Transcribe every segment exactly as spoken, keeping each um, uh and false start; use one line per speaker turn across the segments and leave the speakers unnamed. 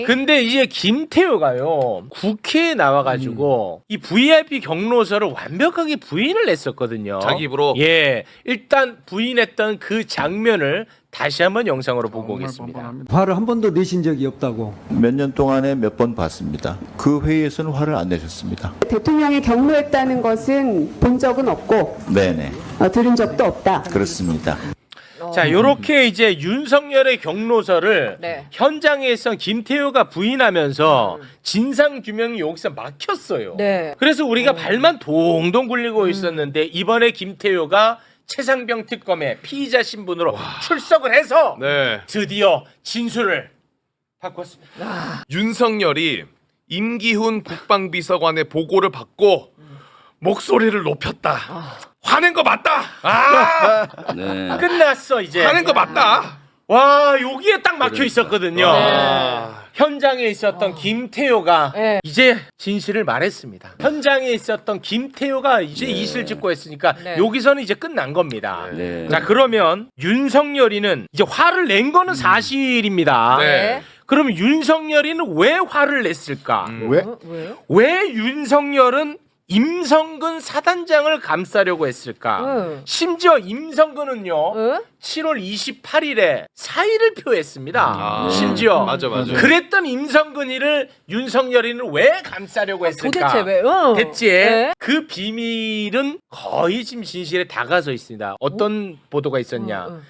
근데 이제 김태효가요 국회에 나와가지고 음. 이 브이아이피 경로서를 완벽하게 부인을 했었거든요.
자기 입으로.
예, 일단 부인했던 그 장면을 다시 한번 영상으로 보고 오겠습니다.
화를 한 번도 내신 적이 없다고.
몇 년 동안에 몇 번 봤습니다. 그 회의에서는 화를 안 내셨습니다.
대통령이 경로했다는 것은 본 적은 없고
네네.
어, 들은 적도 없다.
그렇습니다.
자, 요렇게 이제 윤석열의 경로서를
네.
현장에서 김태효가 부인하면서 진상 규명이 여기서 막혔어요.
네.
그래서 우리가 발만 동동 굴리고 있었는데 이번에 김태효가 최상병 특검의 피의자 신분으로 출석을 해서
네.
드디어 진술을 바꿨습니다.
윤석열이 임기훈 국방비서관의 보고를 받고 목소리를 높였다. 화낸 거 맞다. 아,
네. 끝났어 이제.
화낸 거 맞다.
와, 여기에 딱 막혀 있었거든요.
네.
현장에 있었던 김태효가
네.
이제 진실을 말했습니다. 현장에 있었던 김태효가 이제
네.
이실 짓고 했으니까
네.
여기서는 이제 끝난 겁니다.
네.
자, 그러면 윤석열이는 이제 화를 낸 거는 사실입니다.
네.
그러면 윤석열이는 왜 화를 냈을까?
음.
왜?
어, 왜요?
왜 윤석열은 임성근 사단장을 감싸려고 했을까?
응.
심지어 임성근은요
응?
칠월 이십팔일에 사의를 표했습니다.
아,
심지어
맞아 맞아.
그랬던 임성근이를 윤석열이는 왜 감싸려고 했을까?
도대체 왜? 응.
됐지?
네.
그 비밀은 거의 지금 진실에 다가서 있습니다. 어떤 보도가 있었냐?
응, 응.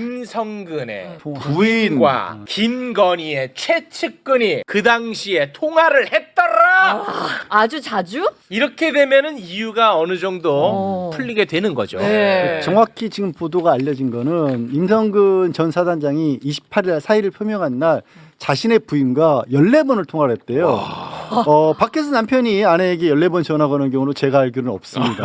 임성근의
부인.
부인과 김건희의 최측근이 그 당시에 통화를 했더라.
아주 자주?
이렇게 되면은 이유가 어느 정도
어.
풀리게 되는 거죠.
네.
정확히 지금 보도가 알려진 거는 임성근 전 사단장이 이십팔일 사의를 표명한 날 자신의 부인과 열네 번을 통화를 했대요. 어, 밖에서 남편이 아내에게 열네 번 전화 거는 경우는 제가 알기로는 없습니다.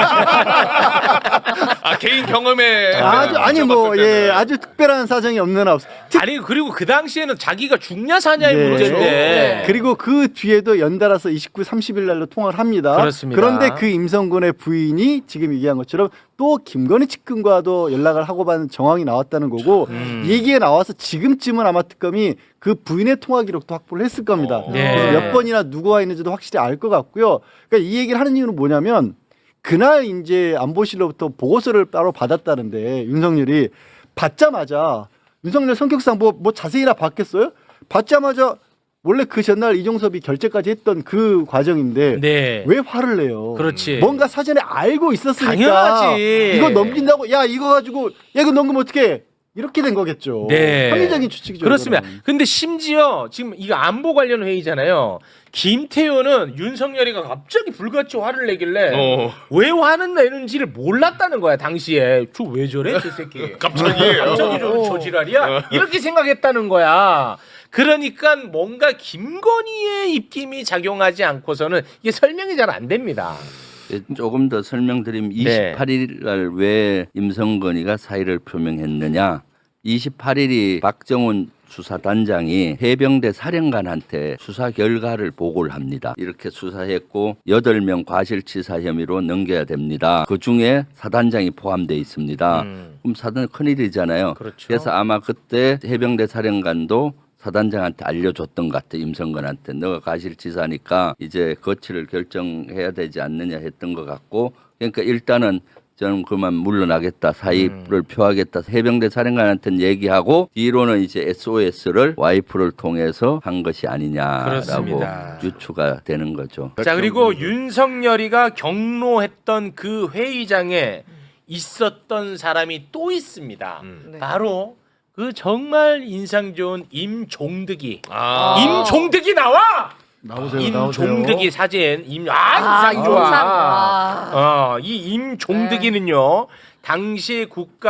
아 개인 경험에
아주 아니 뭐 예 아주 특별한 사정이 없는 한 없.
아니 그리고 그 당시에는 자기가 죽냐 사냐의
네.
문제인데
네.
그리고 그 뒤에도 연달아서 이십구, 삼십일 날로 통화를 합니다.
그렇습니다.
그런데 그 임성근의 부인이 지금 얘기한 것처럼 또 김건희 측근과도 연락을 하고 받은 정황이 나왔다는 거고
음.
얘기에 나와서 지금쯤은 아마 특검이 그 부인의 통화 기록도 확보를 했을 겁니다.
어.
네.
그래서 몇 번이나 누구와 있는지도 확실히 알 것 같고요. 그러니까 이 얘기를 하는 이유는 뭐냐면 그날 이제 안보실로부터 보고서를 따로 받았다는데 윤석열이 받자마자 윤석열 성격상 뭐, 뭐 자세히나 봤겠어요? 받자마자 원래 그 전날 이종섭이 결재까지 했던 그 과정인데
네.
왜 화를 내요?
그렇지.
뭔가 사전에 알고 있었으니까
당연하지.
이거 넘긴다고 야 이거 가지고 야 이거 넘기면 어떡해 이렇게 된 거겠죠.
네.
합리적인 추측이죠.
그렇습니다.
이거는.
근데 심지어 지금 이거 안보 관련 회의잖아요. 김태효는 윤석열이가 갑자기 불같이 화를 내길래
어.
왜 화는 내는지를 몰랐다는 거야 당시에. 저 왜 저래 저 새끼.
갑자기
갑자기 저, 저 지랄이야? 이렇게 생각했다는 거야. 그러니까 뭔가 김건희의 입김이 작용하지 않고서는 이게 설명이 잘 안 됩니다.
조금 더 설명드리면
네.
이십팔일 날 왜 임성건이가 사의를 표명했느냐. 이십팔일이 박정훈 수사단장이 해병대 사령관한테 수사 결과를 보고를 합니다. 이렇게 수사했고 여덟 명 과실치사 혐의로 넘겨야 됩니다. 그중에 사단장이 포함되어 있습니다.
음.
그럼 사단 큰일이잖아요.
그렇죠.
그래서 아마 그때 해병대 사령관도 사단장한테 알려줬던 것 같아. 임성근한테 너가 과실치사니까 이제 거취를 결정해야 되지 않느냐 했던 것 같고 그러니까 일단은 저는 그만 물러나겠다 사의를
음.
표하겠다 해병대 사령관한테는 얘기하고 뒤로는 이제 에스오에스를 와이프를 통해서 한 것이 아니냐라고
그렇습니다.
유추가 되는 거죠.
자, 그리고 윤석열이가 경로했던 그 회의장에 있었던 사람이 또 있습니다.
음.
네.
바로 그 정말 인상 좋은 임종득이.
아.
임종득이 나와.
나오세요.
임종득이 사진. 임, 아,
아,
인상 좋아.
인상. 아.
어, 이 임종득이는요. 당시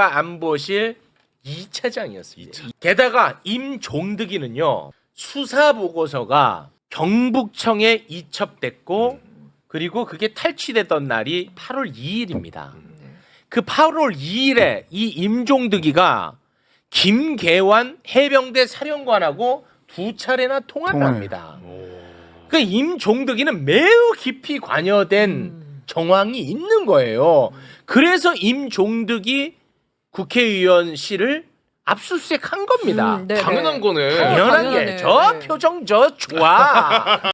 국가안보실 이 차장이었습니다. 게다가 임종득이는요. 수사 보고서가 경북청에 이첩됐고 그리고 그게 탈취됐던 날이 팔월 이일입니다. 그 팔월 이일에 이 임종득이가 김계환 해병대 사령관하고 두 차례나 통화를
통화를.
합니다. 그 임종득이는 매우 깊이 관여된
음.
정황이 있는 거예요. 그래서 임종득이 국회의원실을 압수수색 한 겁니다.
음, 네,
당연한
네.
거네.
당연한
당연하네.
게 저
네.
표정 저 좋아.